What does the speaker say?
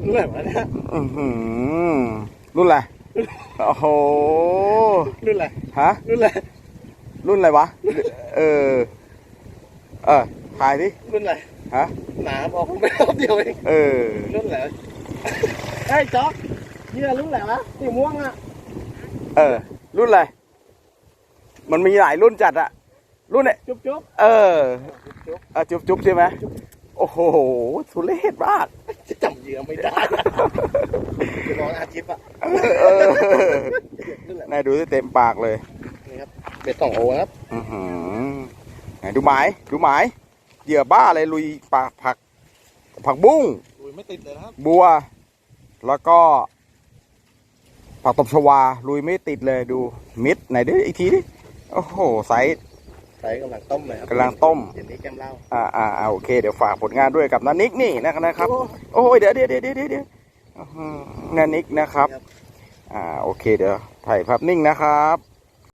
รุ่นอะไรวะเนี่ยรุ่นอะไรโอ้โหรุ่นอะไรฮะรุ่นอะไรรุ่นอะไรวะเออถ่ายดิรุ่นอะไรฮะหนาบอกไม่รอบเดียวเองรุ่นอะไรไอ้จ๊อกนี่รุ่นอะไรวะสีม่วงอ่ะรุ่นอะไรมันมีหลายรุ่นจัดอะรุ่นเนี่ยจุ๊บจุ๊บใช่ไหมโอ้โหทุเรศมากจะจำเหยื่อไม่ได้จะร้องอาชิปอะนายดูที่เต็มปากเลยนี่ครับเบ็ด2 โอครับไหนดูหมายเหยื่อบ้าเลยลุยปากผักบุ้งลุยไม่ติดเลยครับบัวแล้วก็ผักตบชวาลุยไม่ติดเลยดูมิดไหนดิอีกทีดิโอ้โหไซส์กำลังต้มเลยครับกำลังต้มเดี๋ยวนี้แก้มเหล้าโอเคเดี๋ยวฝากผลงานด้วยกับนันนิกนี่นะครับโอ้ยเดี๋ยวนันนิกนะครับโอเคเดี๋ยวถ่ายภาพนิ่งนะครับ